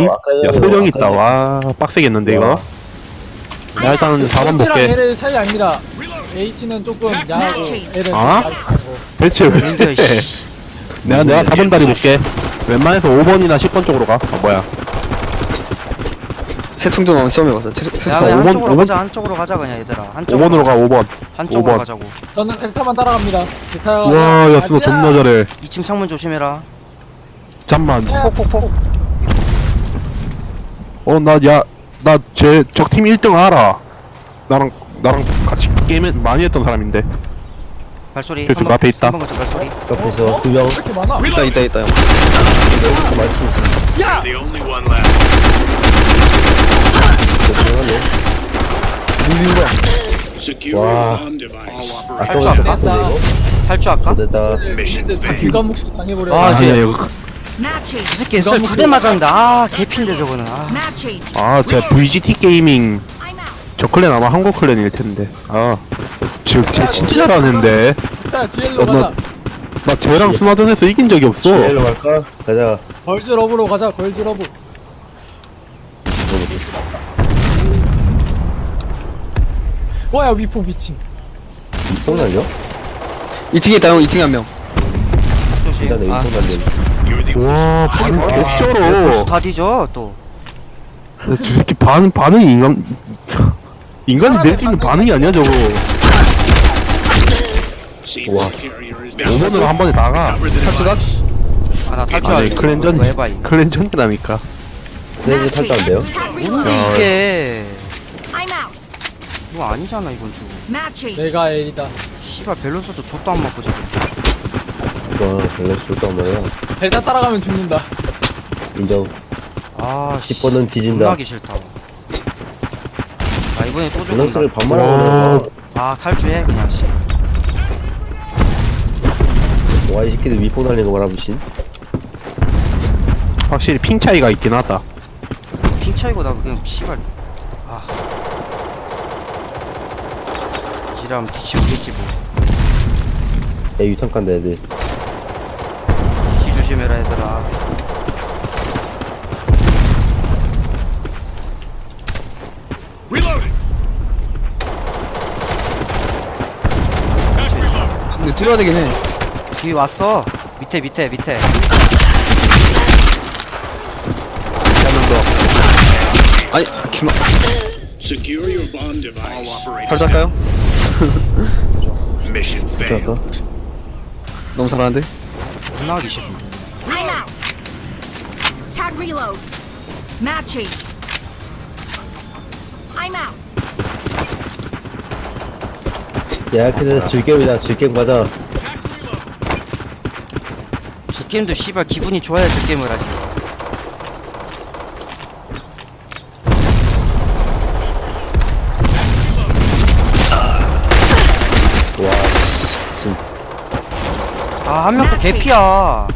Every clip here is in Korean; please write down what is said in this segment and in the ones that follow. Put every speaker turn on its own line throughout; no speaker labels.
야, 소령 있다. 와, 빡세겠는데, 이거? 야, 일단 4번
H랑
볼게.
L의 차이 아닙니다. H는 조금 야하고 L은
아?
얇고.
대체 왜? 내가 4번 다리 볼게. 웬만해서 5번이나 10번 쪽으로 가. 뭐야.
세충전 한번 시험해봤어.
야
자,
그냥
5번,
한쪽으로
5번?
가자. 한쪽으로 가자 그냥 얘들아. 한쪽으로
5번으로 가, 5번.
한쪽으로
5번.
가자고.
저는 델타만 따라갑니다. 델타가
와, 야, 스노 존나 잘해.
2층 창문 조심해라.
잠만.
폭폭폭.
적팀 1등 알아. 나랑 같이 게임 많이 했던 사람인데.
발소리.
그래서 그 앞에 있다.
3번 거쳐 발소리.
옆에서 2명.
왜 이렇게 많아?
있다 형.
야!
The only one left. Secure
Wow.
bomb device.
아까보다 더 빡센데 이거?
탈주 할까?
됐다.
Mission
다
failed.
귀감목 당해버려.
아,
아니야,
이제-
이거.
이 새끼 썰 2대 맞았는데 아 개핀데 저거는. 아.
아, 제가 VGT 게이밍 저 클랜 아마 한국 클랜일 텐데. 쟤 진짜 잘하는데.
야, GL로
나
가자.
쟤랑 스마전에서 이긴 적이 없어.
GL로 갈까? 가자.
걸즈러브로 가자, 걸즈러브. 뭐야, 위포 미친.
똥 날려?
2층에 있다 형. 2층에 한 명.
진짜 내
아,
인통 날려.
You're the
와, 반응 개쩔어.
다 뒤져 또.
저 새끼 반응이 인간이 낼 수 있는 반응이 아니야, 저거.
seems the carrier is down.
5번으로 한 번에 나가.
Cover the device.
아나
아니,
탈주할래.
클랜전,
이거 해봐 이거.
클랜전이라니까.
트레이드 탈주한대요?
뭔데 이게.
I'm out.
이거 아니잖아 이건 좀.
Matching.
내가 L이다.
씨발 밸런스도 족도 안 맞고 저거.
이거 밸런스 좋단 말이야.
델타 따라가면 죽는다.
인정.
아
10번은 뒤진다.
존나기 싫다. 아 이번에 또 죽는다.
밸런스를 반말하고
아 탈주해 그냥 씨.
와, 이 새끼들 위폭 날리는 거 봐라, 미친.
확실히 핑 차이가 있긴 하다.
핑 차이고 나 그냥 씨발. 아. 지랄하면 뒤치우겠지 뭐.
야, 유탄 깐다, 애들.
뒤치 조심해라 얘들아.
Reloading. Attack reload.
근데 뚫어야 되긴 해.
뒤 왔어. 밑에.
아니 기마.
Secure your bomb device.
탈출할까요?
Mission failed.
탈주할까?
너무 잘하는데.
존나 하기 싫은데.
I'm out. Tag reload. Matching. I'm out.
야, 그래서 즐겜이다. 즐겜 가자.
저 게임도 씨발 기분이 좋아야 저 게임을 하지.
와, 진
아 한 명 또 개피야.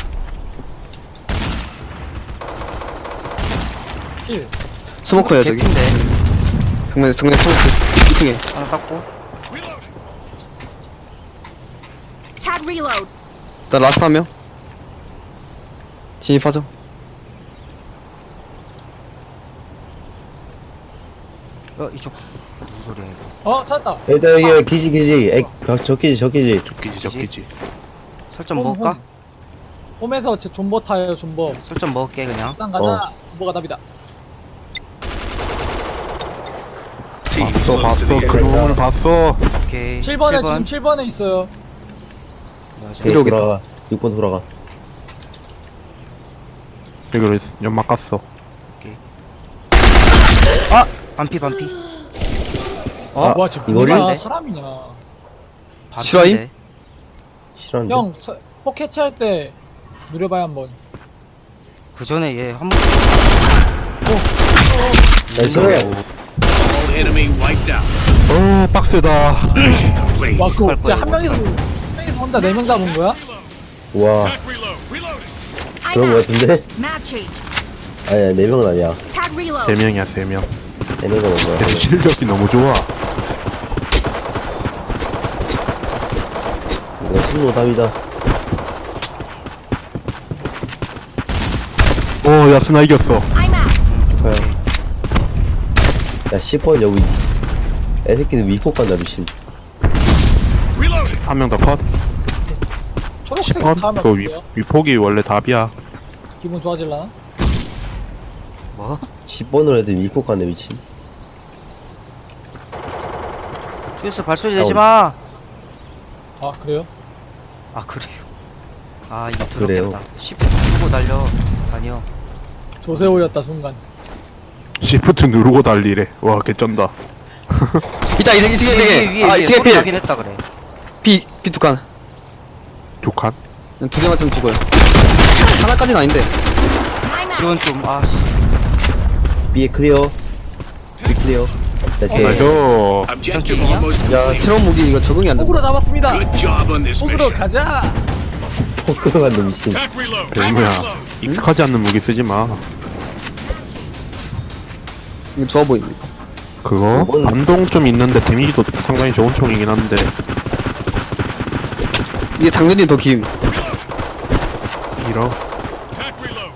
킬.
스모커야 저기.
개피인데.
정면 스모커. 2층에.
하나 닦고.
Tag reload.
나 라스트 한 명. 진입하죠.
이쪽 무슨 소리야 이거.
찾았다.
일단 여기 기지. 적기지.
적기지.
설정 먹을까?
홈에서 제 존버 타요, 존버.
설정 먹을게 그냥.
싼 가자. 존버가 답이다.
봤어. 그 놈을 봤어.
오케이.
7번에
7번.
지금 7번에 있어요.
맞아.
오케이,
이러겠다.
돌아가. 6번 돌아가.
여기로 연막 갔어.
반피.
아,
와, 쟤
이거를?
뭐야, 사람이냐.
반피인데.
실화임?
싫어하는데?
형, 폭 해체할 때 누려봐요, 한번.
그 전에 얘 한 번.
나이스.
All enemy wiped out.
빡세다.
Mission complete.
와, 그거
할
진짜
거야,
한 명이서 혼자 4명 잡은 거야?
와,
Attack reload. Reloading.
I'm
그런 거
out.
같은데?
Matching.
아니야, 4명은 아니야.
Tag reload.
3명이야, 3명.
4명은 뭔가.
실력이 너무 좋아.
이거 승로 답이다.
야, 스나 이겼어.
I'm out.
좋아요. 야, 10번 여기. 애새끼는 위폭 간다, 미친.
Reloading.
한 명 더 컷.
초록색
10번?
가면
그
어때요?
위폭이 원래 답이야.
기분 좋아질라나?
뭐?
10번으로 애들 위폭 간다, 미친.
퓨스 발소리 내지 마.
아 그래요?
아 그래요. 아 이거
그래요.
더럽겠다. 10분 누르고 달려. 아니요.
조세호였다 순간.
시프트 누르고 달리래. 와, 개쩐다.
이따 2층에
위에
아 2층에
소리
필
나긴 했다 그래.
B 두 칸.
두 칸?
두 개 맞으면 죽어요. 하나까지는 아닌데.
I'm out.
지원 좀 아씨.
B에 클리어. B 클리어. 다시.
나이스.
Objective
Thank you.
almost
야
complete.
새로운 무기 이거 적응이 안
호구로
된다.
잡았습니다.
Good job on this
호구로
mission.
가자.
포크로 간다, 미친.
Attack reload.
대무야. 익숙하지 않는 무기 쓰지 마.
이거 좋아 보입니다.
그거?
그건-
반동 좀 있는데 데미지도 상당히 좋은 총이긴 한데.
이게 장전이 더 긴.
이러.
Attack reload.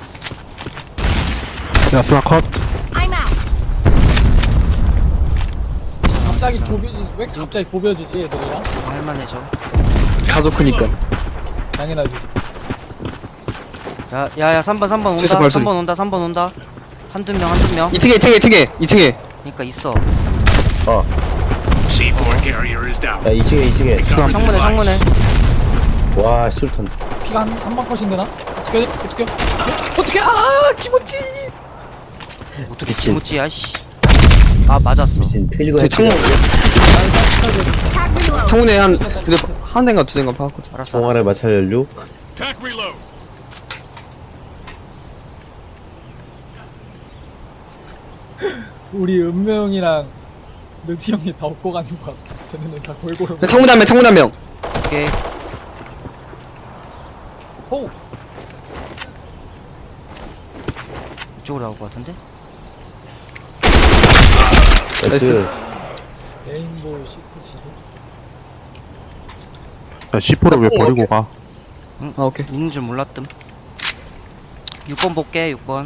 야, 스나 컷.
I'm out.
갑자기 보벼지 왜 갑자기 보벼지지 애들이랑?
할만해져.
가족 크니까.
당연하지.
야야야 3번 온다.
최소 발소리.
3번 온다. 한두 명.
2층에.
그니까 있어.
C4 carrier is down.
야, 2층에.
창문에.
와, 술탄.
피가 한방 컷인데 나? 어떻게? 아 기모찌.
어떻게
미친.
기모찌야 씨. 아 맞았어.
미친, 필고
제 창문
Tag reload.
창문에 한 대인가 두 대인가 파았거든.
알았어.
동아를 마찰 연료.
Attack reload.
우리 은명이랑 르티 형이 다 업고 가는 것 같아. 쟤네는 다 골고루.
창문 한 명.
오케이.
호.
이쪽으로 나올 것 같은데?
나이스.
레인보우 시트 시드.
야, C4를 왜 버리고 가?
아 오케이.
있는 줄 몰랐뜸. 6번 볼게 6번.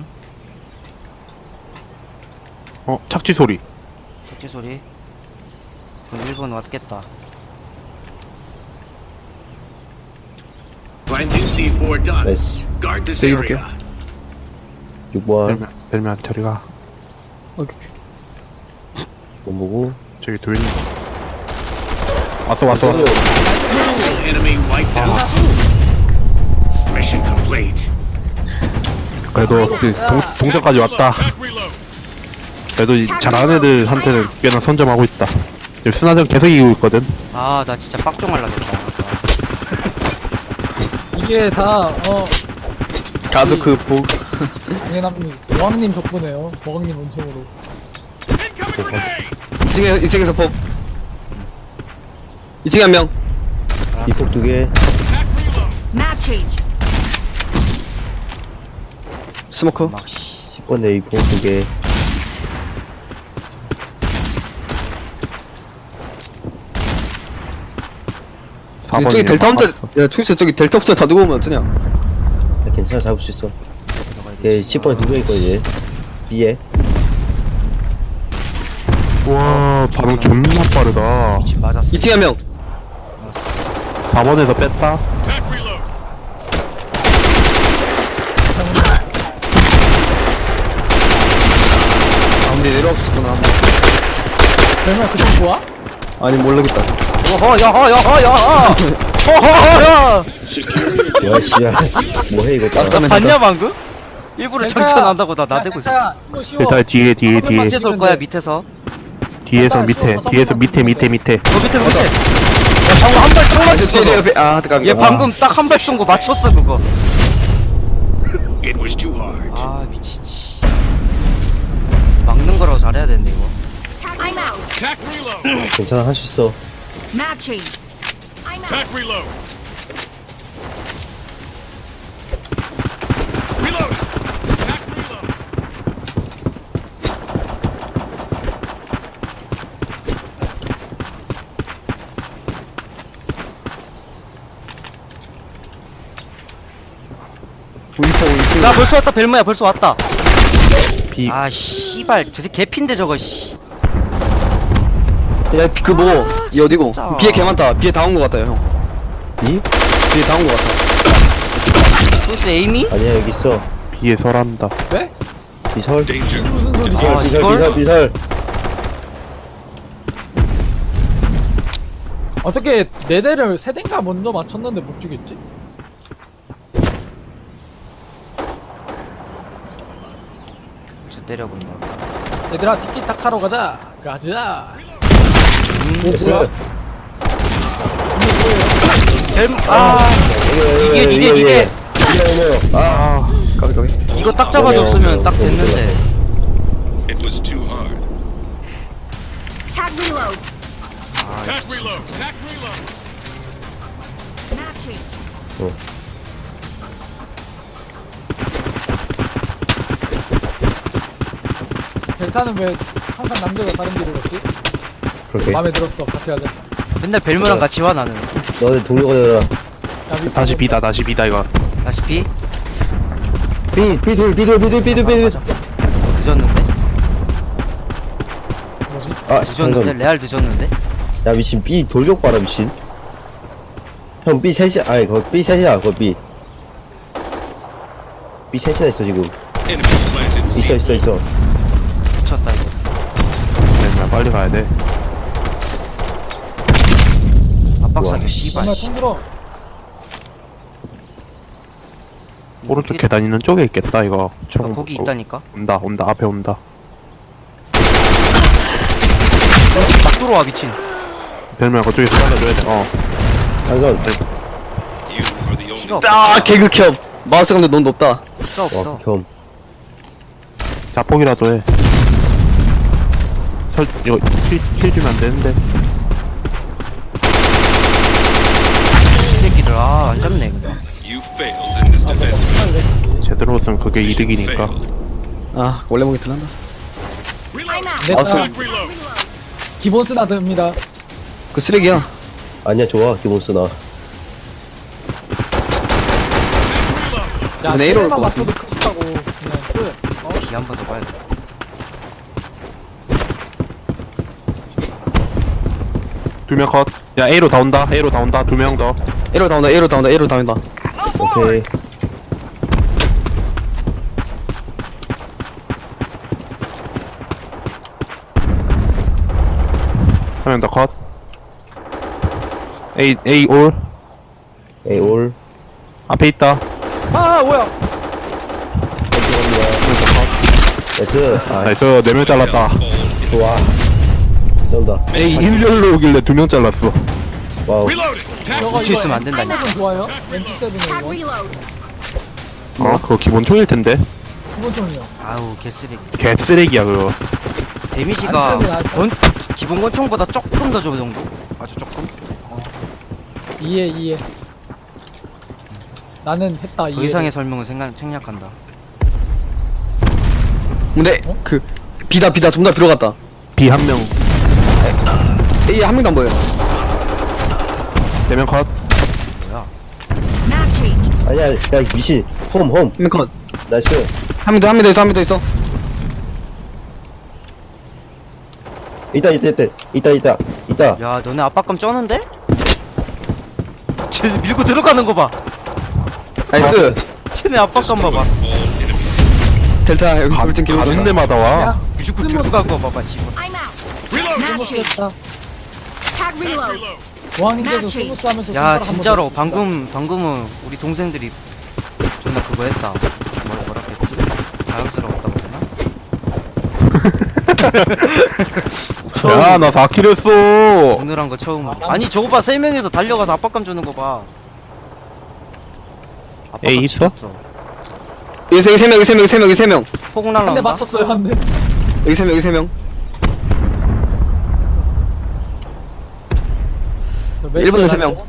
착지 소리.
박쥐 소리. 그럼 1번 왔겠다.
Planting C4 done.
나이스.
Guard this
저기
area.
볼게요.
6번.
벨면 저리 가.
오케이.
못 보고.
저기 돌리는 거. 왔어.
All enemy wiped out. Mission complete.
그래도 동전까지 왔다.
Attack reload.
그래도 잘하는 애들한테는 꽤나 선점하고 있다. 지금 스나전 계속 이기고 있거든.
아 나 진짜 빡종 할라겠다.
이게 다
가족 그 복.
당연합니다. 여왕님 덕분에요. 버왕님 은총으로.
Incoming grenade.
2층에서 법. 2층에 한 명.
위폭 2개.
Attack reload.
Map change.
스모커.
막 씨.
10번 내 위폭 2개.
저기 델타 혼자. 야 초이스 저기 델타 혼자 다 두고 오면 어쩌냐.
야, 괜찮아, 잡을 수 있어. 얘 10번에 2명 있거든, 얘. B에.
와, 반응 존나 빠르다.
지금 맞았어.
2층에 한 명.
4번에서 뺐다.
Attack reload.
가운데 내려왔었구나.
별명 그쪽 좋아?
아니 모르겠다.
어허 야허.
Secure your
야, 씨야. 뭐해, 이거. 다.
라스트 하면
봤냐 방금? 일부러
델타야.
정천한다고 나 나대고 있었어.
델타야, 이거 쉬워.
일단 뒤에.
밑에서 올 거야 밑에서.
뒤에서 밑에.
저 밑에서 밑에. 야 방금 한발 딱
아, 저 뒤에
맞췄어.
옆에
얘 방금 딱 한 발 쏜 거 맞췄어 그거.
It was too hard.
아 미친 씨. 막는 거라고 잘해야 되는데 이거.
I'm out.
Attack reload.
괜찮아, 할 수 있어.
Map change. I'm out.
Attack reload. Reload. Attack reload.
보이퍼
나 벌써 왔다. 벨모야 벌써 왔다.
B.
아 씨발 저 새끼 개핀데 저거 씨.
야, 그 뭐, 이 어디고?
진짜.
비에 개 많다. 비에 다 온 거 같아요, 형.
이?
비에 다 온 거 같아.
소스 에이미?
아니야, 여기 있어.
B에 설한다.
왜?
비설.
Danger.
무슨 소리?
아,
비설,
이걸?
비설, 비설.
어떻게 네 대를 세 대인가 먼저 맞췄는데 못 죽였지?
저 때려본다.
얘들아 티키타카로 가자. 가자.
됐어.
이게.
아,
까비, 까비.
이거 딱 잡아줬으면 딱 됐는데.
It was too hard.
Tag reload.
Attack reload. Attack reload.
Matching.
델타는 왜 항상 남자가 다른 길을 갔지?
그렇게.
마음에 들었어. 같이 가자.
맨날 벨모랑 같이 와 나는.
너네 동료가 되라.
야, 밑에
다시
뭐-
B다, 다시 B다, 이거.
다시 B?
비둘.
늦었는데?
뭐지?
아,
늦었는데?
잠깐.
레알 늦었는데?
야, 미친. B 돌격 봐라, 미친. 형, B 셋이, 아니, 거기 B 셋이야, 거기 B. B 셋이나 있어, 지금.
Enemy planted.
있어.
미쳤다 이거.
벨모야, 빨리 가야 돼.
압박사기 씨발.
정말 통들어.
오른쪽 계단 있는 쪽에 있겠다, 이거. 총.
거기 있다니까?
온다, 앞에 온다.
막 들어와 미친.
벨모야, 그쪽에서 살려줘야 돼.
당선.
You are the only.
피가 없어.
아, 개극혐. 마우스 강도 너무 높다.
피가
와,
없어.
겸.
자폭이라도 해. 이거 킬 주면 안 되는데.
이 새끼들 안 잡네 근데.
You failed in this defense.
제대로 쓰면 그게 이득이니까.
Failed.
아, 원래 먹이 들란다.
Reload.
I'm out.
네,
마우스.
Attack reload.
기본 스나드입니다.
그 쓰레기야.
아니야, 좋아, 기본 쓰나.
야,
근데 A로 올
세대만
것
맞춰도 크다고. 그냥 끝. 어?
B 한 번 더 봐야 돼.
두 명 컷. 야, A로 다 온다. 두 명 더.
A로 다 온다.
오케이.
한 명 더 컷. A 올.
A 올.
앞에 있다.
아, 뭐야?
나이스. 아,
나이스, 4명 잘랐다.
좋아. 쩐다.
A 일렬로 오길래 2명 잘랐어.
와우.
Reloading. Attack.
저거
묻혀 있으면 안
이거
된다니까.
M7은 좋아요?
Tag
MP7은 이거.
reload.
그거 기본 총일 텐데.
기본 총이요.
아우 개쓰레기.
개쓰레기야, 그거.
데미지가
안 쓰네, 안 써.
기본 권총보다 조금 더 저 정도. 아주 조금.
이해. 나는 했다,
더
이해.
이상의 설명은 생략한다.
근데, 그, 비다, 전부 다 들어갔다.
B 한 명.
A 한 명도 안 보여.
4명 컷.
뭐야?
Matching.
아니야, 야, 미친. 홈.
한 명 컷.
나이스.
한 명 더 있어.
있다.
야 너네 압박감 쩌는데? 쟤 밀고 들어가는 거 봐.
나이스.
쟤네 압박감 봐봐.
델타, 여기 돌진 기록
가는 데마다 와.
밀고 들어간 거 봐봐 씨발.
I'm out.
Reload.
Matching.
스무스했다.
Tag reload.
Reload.
보안인데도 스무스하면서
야 진짜로 방금은 우리 동생들이 존나 그거 했다. 뭐라 했지? 자연스러웠다고 했나?
야, 나 4킬 했어.
오늘 한 거 처음. 아니 저거 봐 3명이서 달려가서 압박감 주는 거 봐. 압박감
에이, 있어?
지렸어.
여기 세 명.
폭
한대
날라온다.
맞췄어요, 한 대.
여기 세 명. 일본은 3명.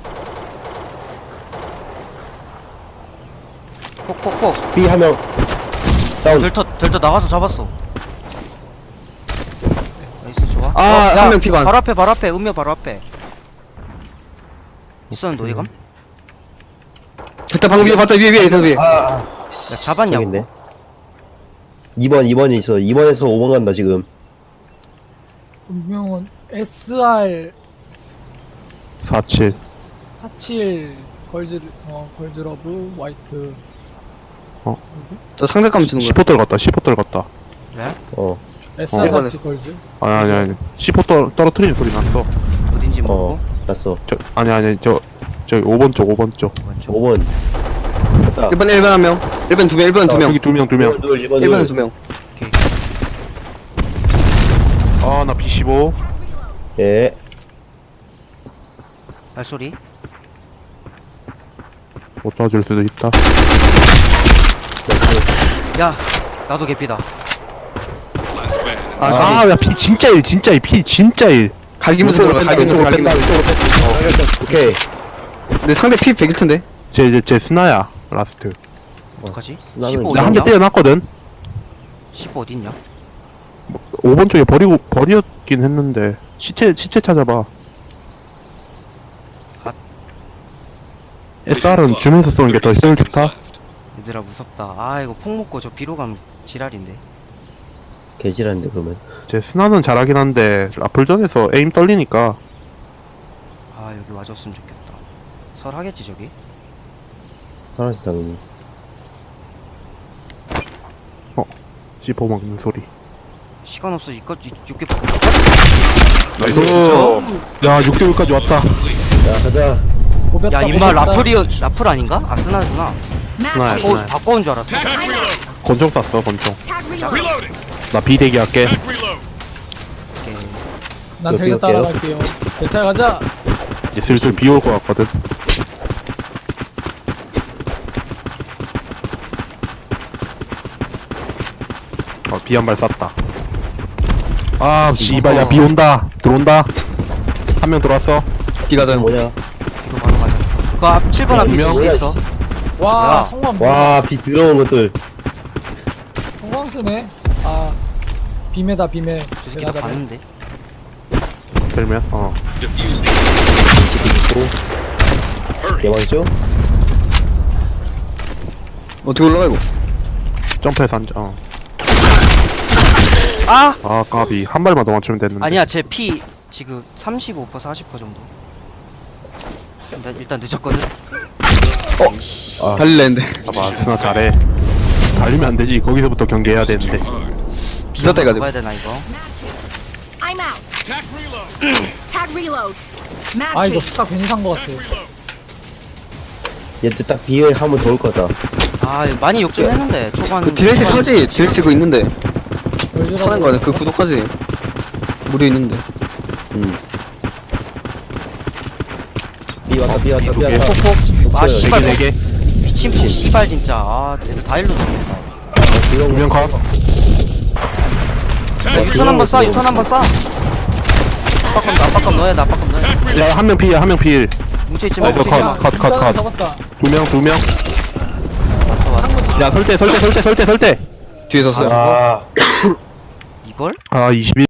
폭.
B 한 명. 다운.
델타 나가서 잡았어. 나이스 좋아.
아, 한명 피반.
바로 앞에 음료 바로 앞에. 있었는데 어디감?
델타 방금 위에 봤다. 위에.
아, 씨,
잡았냐고?
저기 있네. 2번이 있어. 2번에서 5번 간다, 지금.
분명은 SR
47
47 걸즈러브 화이트.
저 상대감 주는 거야.
15 떨갔다 15 떨갔다
네?
어,
SR 47 걸즈.
아니 15 떨어뜨리는 소리 났어
어딘지 모르고.
났어.
아니 저기 5번 쪽 5번 쪽
5번. 됐다.
1번 1번 한 명. 1번 2명 1번 2명.
여기 2명 2명
2번
1번은 2명.
아나 B15
예.
발소리.
못 도와줄 수도 있다
야, 나도 개피다.
Last man.
아야 피 진짜 일 피 진짜 일
갈기면서 들어가. 갈기면서 갈기면서.
오케이.
근데 상대 피 100일 텐데.
제 스나야 라스트
어떡하지?
나는
15
나 한 대
어딨냐?
때려놨거든
15 어딨냐?
5번 쪽에 버렸긴 했는데 시체 찾아봐 SR은 주면서 쏘는 게 더 효율 좋다
얘들아 무섭다. 아 이거 폭 먹고 저 비로 가면 지랄인데.
개질한데, 그러면.
제 스나는 잘하긴 한데 라플전에서 에임 떨리니까
아 여기 와줬으면 좋겠다. 설 하겠지 저기?
하나씩 당연히.
씹어 먹는 소리
시간 없어 이거 이렇게
나이스 야 6개월까지 왔다
야, 가자.
고백다,
야 임마
고백다.
라플 아닌가? 아스날구나.
스나야
Matching.
스나야
바꿔온 줄 알았어.
Tag reload.
권총 쐈어 권총
Tag reload.
Reloading.
나 비대기 할게
Tag reload.
오케이.
난 데리고 따라갈게요. 대타 가자.
이제 슬슬 비 올 것 같거든 비 한 발 쐈다 아 씨발 야 비 온다 들어온다 한 명 들어왔어
기가전.
뭐냐.
이거 바로 가자. 그 앞 7번 앞에
분명-
누구 있어?
와,
야.
성광.
와, 비 들어온 것들.
성광 쓰네. 아, 비매다, 비매.
저 새끼 다 봤는데.
들면
Defuse the. Hurry.
개망죠?
어떻게 올라가 이거?
점프해서 앉아
아!
아 까비 한 발만 더 맞추면 됐는데
아니야 제 피 지금 35% 40% 정도. 일단 늦었거든. 이씨.
아,
달릴래 했는데.
봐봐 스나 잘해 달리면 안 되지 거기서부터 경계해야 되는데
비싸다 해가지고.
먹어야 되나 이거?
I'm out.
Tag reload.
Tag reload.
아, 이거
Matching.
스카 괜히 산 거 같아.
Reload.
얘들 딱 비에 하면 더올 것 같다.
아 이거 많이 욕심했는데 초반.
그 DLC 사지. DLC 그거 있는데.
걸즈러브.
사는 거 아니야? 그 구독하지. 무료 있는데.
비 왔다, 비 왔다, 비
개.
왔다.
아 씨발 뭐,
4개
미친 포 씨발 진짜. 아 애들 다 일로 들어온다.
두명 컷
야, 유턴 한번 쏴, 유턴 한번 쏴. 압박감 넣어야 돼, 압박감 넣어야 돼.
야 한 명 필 한 명 필
뭉쳐있지 마,
나이스,
뭉쳐있지
컷.
마.
컷.
잡았다.
두 명
왔어, 왔어.
야 설대
뒤에 섰어요.
아,
이걸?
아 21